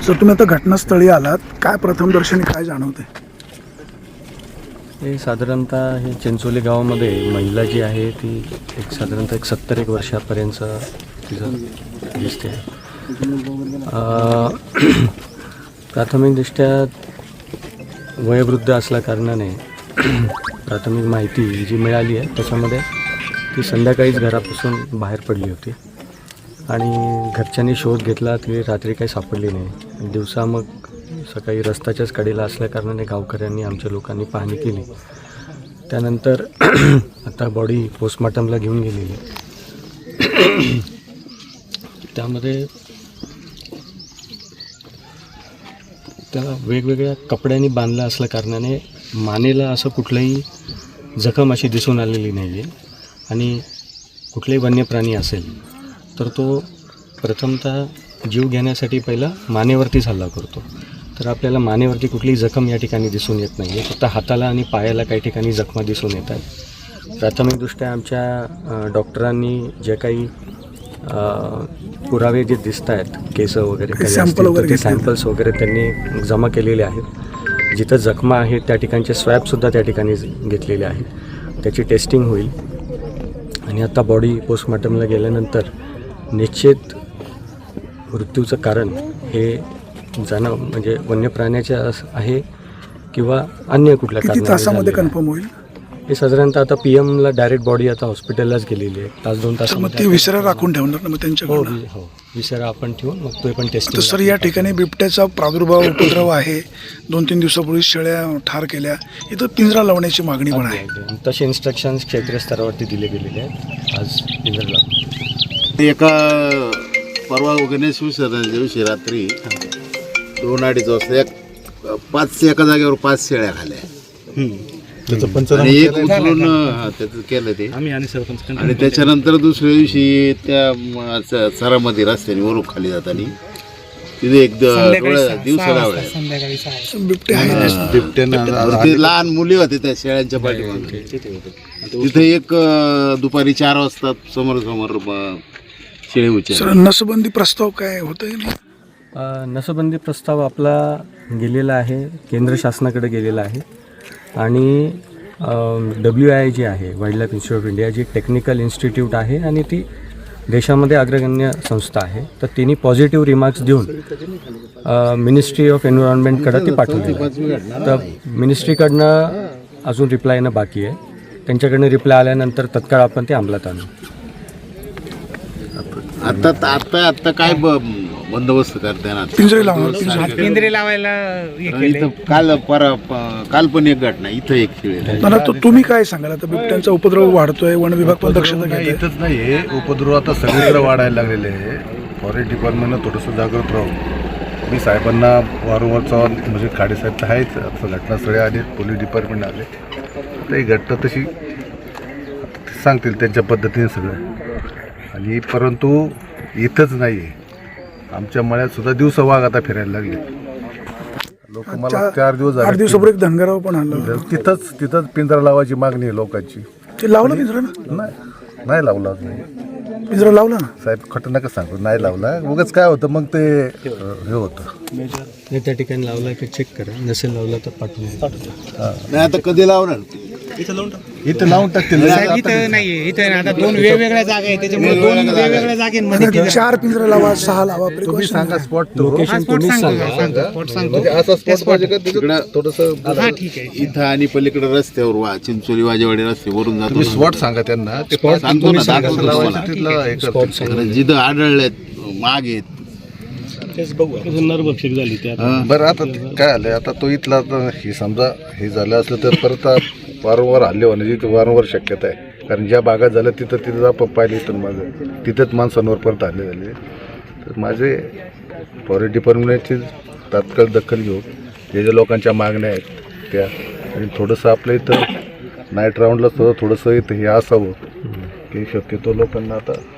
Sir तुम्ही आता घटनास्थळी आलात, काय प्रथमदर्शनी काय जाणवते? हे साधारणतः हे चिंचोली गावामध्ये महिला जी आहे ती साधारणतः 70 वर्षापर्यंत तिचं दिसते. प्राथमिकदृष्ट्या वयोवृद्ध असल्या कारणाने प्राथमिक माहिती जी मिळाली आहे त्याच्यामध्ये ती संध्याकाळीच घरापासून बाहेर पडली होती आणि घरच्यांनी शोध घेतला, ती रात्री काही सापडली नाही. दिवसा मग सकाळी रस्त्याच्याच कडेला असल्या कारणाने गावकऱ्यांनी आमच्या लोकांनी पाहणी केली. त्यानंतर आता बॉडी पोस्टमॉर्टमला घेऊन गेलेली. त्यामध्ये त्याला वेगवेगळ्या कपड्यांनी बांधलं असल्या कारणाने मानेला असं कुठलंही जखम अशी दिसून आलेली नाही आहे आणि कुठलेही वन्य प्राणी असेल तर तो प्रथमतः जीव घेण्यासाठी पहिला मानेवरतीच हल्ला करतो. तर आपल्याला मानेवरती कुठलीही जखम या ठिकाणी दिसून येत नाही आहे, फक्त हाताला आणि पायाला काही ठिकाणी जखमा दिसून येत आहेत. प्राथमिकदृष्ट्या आमच्या डॉक्टरांनी जे काही पुरावे जे दिसत आहेत, केस वगैरे काही असतील ते सॅम्पल्स वगैरे त्यांनी जमा केलेले आहेत. जिथं जखमा आहेत त्या ठिकाणचे स्वॅबसुद्धा त्या ठिकाणी घेतलेले आहेत. त्याची टेस्टिंग होईल आणि आता बॉडी पोस्टमॉर्टमला गेल्यानंतर निश्चित मृत्यूचं कारण हे जाणं म्हणजे वन्य प्राण्याचे आहे किंवा अन्य कुठल्या कारणामध्ये कन्फर्म होईल. हे साधारणतः आता PM ला डायरेक्ट बॉडी आता हॉस्पिटललाच गेलेली आहे. तास 2 तासामध्ये विसरा राखून ठेवणार ना मग त्यांच्याकडे? हो, विसरा आपण ठेवून मग तो पण टेस्टिंग. सर या ठिकाणी बिबट्याचा प्रादुर्भाव उपद्रव आहे. 2-3 दिवसापूर्वी शेळ्या ठार केल्या, इथं पिंजरा लावण्याची मागणी पण आहे. तसे इन्स्ट्रक्शन्स क्षेत्रीय स्तरावरती दिले गेलेले आहेत. आज पिंजरा लावतो. एका परवा गणेश विसर्जनाच्या दिवशी रात्री 2-2:30 वाजता 5 एका जागेवर 5 शेळ्या खाल्ल्या आणि एक उचलून त्याचं केलं ते. आणि त्याच्यानंतर दुसऱ्या दिवशी त्या चरामध्ये रस्त्याने वरून खाली जाताना तिथे एक दिवसाला बिबट्यानं लहान मुली होते त्या शेळ्यांच्या पाठीमागे. तिथे एक दुपारी 4 वाजता समोर शेळी उचलली. नसबंदी प्रस्ताव काय होतंय? नसबंदी प्रस्ताव आपला गेलेला आहे, केंद्र शासनाकडे गेलेला आहे आणि WII जी आहे, wildlife institute of India, जी टेक्निकल इन्स्टिट्यूट आहे आणि ती देशामध्ये अग्रगण्य संस्था आहे, तर तिने पॉझिटिव्ह रिमार्क्स देऊन मिनिस्ट्री ऑफ एन्व्हायरमेंटकडे ती पाठवली. तर मिनिस्ट्रीकडनं अजून रिप्लाय येणं बाकी आहे. त्यांच्याकडनं रिप्लाय आल्यानंतर तत्काळ आपण ते अंमलात आणू. आता काय बंदोबस्त करते ना? पिंजरे लावायला काल पण एक घटना इथं एक शेळी. तुम्ही काय सांगाल? आता बिबट्यांचा उपद्रव वाढतोय, वन विभाग पण दक्षता घेतोय. इथंच नाही, उपद्रव आता सगळीकडे वाढायला लागलेले आहे. फॉरेस्ट डिपार्टमेंटनं थोडंसं जागृत राहून मी साहेबांना वारंवार म्हणजे खाडेसाहेब तर आहेच, आता घटनास्थळी आले, पोलीस डिपार्टमेंट आले, तर ही घटना तशी सांगतील त्यांच्या पद्धतीने सगळं. आणि परंतु इथंच नाही आहे, आमच्या मळ्यात सुद्धा दिवसा वाघ आता फिरायला लागले. लोक मला 4 दिवस झाले, 8 दिवसापूर्वी एक धनगराव पण आलं. तिथंच पिंजरा लावायची मागणी आहे लोकांची. ते लावलं पिंजरा? नाही लावला पिंजरा लावला ना साहेब, खटं नका सांगू, नाही लावला. उगाच काय होतं मग ते हे होतं. त्या ठिकाणी लावला की चेक करा, नसेल लावला तर पाठवून. नाही आता कधी लावणार? इथं लावून टाकतील. इथं नाहीये, इथं आता 2 वेगवेगळ्या जागा आहेत, त्याच्यामुळे 2 वेगवेगळ्या जागेमध्ये 4 पिंजरे लावा, 6 लावा. तुम्ही सांगा स्पॉट, लोकेशन तुम्हीच सांगा. असा स्पॉट पाहिजे का थोडंसं? ठीक आहे. इथं आणि पलीकडे रस्त्यावर चिंचोली वाजेवाडी रस्त्यावरून जातो. तुम्ही स्पॉट सांगा त्यांना, ते सांगतो ना, दाखवतो लावायचं तिथलं हे करतील. जिथं आढळलेत माग आहेत. बरं आता काय आलंय, आता तो इथला हे समजा हे झालं असलं तर परत वारंवार हल्ले होण्याची वारंवार शक्यता आहे. कारण ज्या भागात झालं तिथं आपण पाहिले, तर माझं तिथंच माणसांवर परत हल्ले झाले. तर माझे फॉरेस्ट डिपार्टमेंटची तात्काळ दखल घेऊ, जे ज्या लोकांच्या मागण्या आहेत त्या, आणि थोडंसं आपलं इथं नाईट राऊंडला थोडंसं इथं हे असावं की शक्यतो लोकांना आता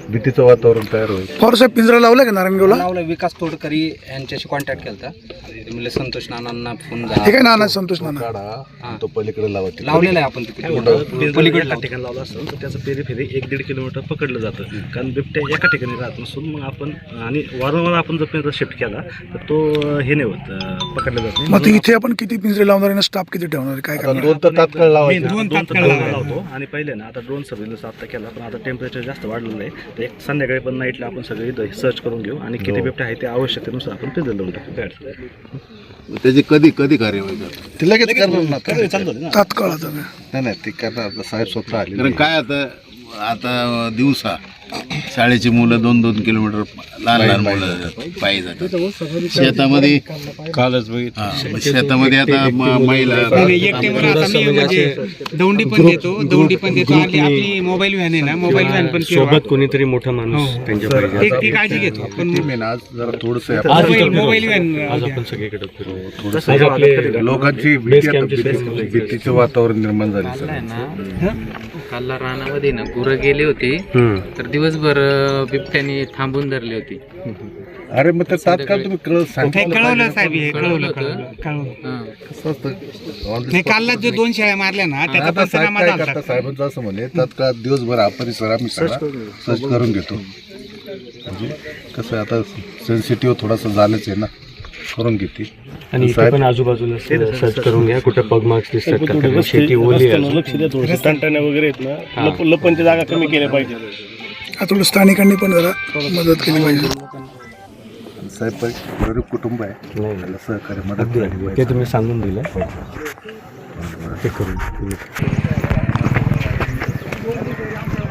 भीतीचं वातावरण तयार होईल. पवार साहेब पिंजरा लावला का नारायणगावला? लावलं. विकास तोडकरी यांच्याशी कॉन्टॅक्ट केला आणि ते म्हणले संतोष नानांना फोन हे काय नाना संतोष नाना काढा आणि तो पलीकडे लावा. लावलेला आहे आपण तिकडे पलीकडल्या ठिकाणी लावलं असेल तर त्याचं पेरीफेरी 1-1.5 किलोमीटर पकडलं जातं, कारण बिबट्या एका ठिकाणी राहत नसून मग आपण आणि वारंवार आपण जर पिंजरा शिफ्ट केला तर तो हे नाही होत, पकडलं जात नाही. मग ते इथे आपण किती पिंजरे लावणार आहे, स्टाफ किती ठेवणार आहे, काय करणार? 2 तर तात्काळ लावायचे. दोन तात्काळ लावतो आणि पहिले ना आता ड्रोन सर्व्हिलन्स आता केला, पण आता टेम्परेचर जास्त वाढलेलं आहे, तर एक संध्याकाळी पण नाईटला आपण सगळे सर्च करून घेऊ आणि किती बिबट्या आहे ते आवश्यकतेनुसार आपण पिंजरे लावून टाकू. काय अडचण नाही. त्याची कधी कधी कार्यवाही करतात? ते लगेच करणार ना. चालू आहे ना. तात्काळ आता काय? नाही नाही ते करणार. साहेब स्वतः आले. कारण काय आता दिवसा शाळेची मुलं 2-2 किलोमीटर लहान लहान मुलं पायी जातात. शेतामध्ये कालच शेतामध्ये आता महिला एकटे आता मी म्हणजे दौंडी पण देतो आणि आपली मोबाईल व्हॅन आहे ना, मोबाईल व्हॅन पण सोबत कोणीतरी मोठा माणूस त्यांच्या पाहिजे. ती काळजी घेतो पण टीम आहे ना आज जरा थोडंसं मोबाईल व्हॅन आज आपण सगळीकडे फिरू. थोडंसं आज आपले लोकांची बेस कॅम्पची स्पेस भीतीचं वातावरण निर्माण झाले सर. कालला रानामध्ये ना गुरं गेली होती, तर दिवसभर बिबट्याने थांबून धरली होती. अरे मग ते तात्काळ तुम्ही कळवलं साहेब, हे कळवलं. कसं असतं नाही, कालला जो 2 शेळ्या मारल्या ना त्याचा आता साहेब पंचनामा काय झाला. करता साहेबांचं असं म्हणे तात्काळ दिवसभर हा परिसर आम्ही सगळा सर्च करून घेतो. म्हणजे कसं आहे, आता सेन्सिटिव्ह थोडासा झालंच आहे ना, करून घेते. आणि इथे पण आजूबाजूला सर्च करून घ्या कुठे पग मार्क्स दिसतात का, कारण शेती ओली आहे. लक्ष द्या थोडंसं, टणटण्या वगैरे आहेत ना, लपणच्या जागा कमी केल्या पाहिजे. आता थोडं स्थानिकांनी पण जरा मदत केली पाहिजे. साहेब गरीब कुटुंब आहे, त्याला सहकार्य मदत अगदी झाली अगदी. पाहिजे. ते तुम्ही सांगून दिलं ते करून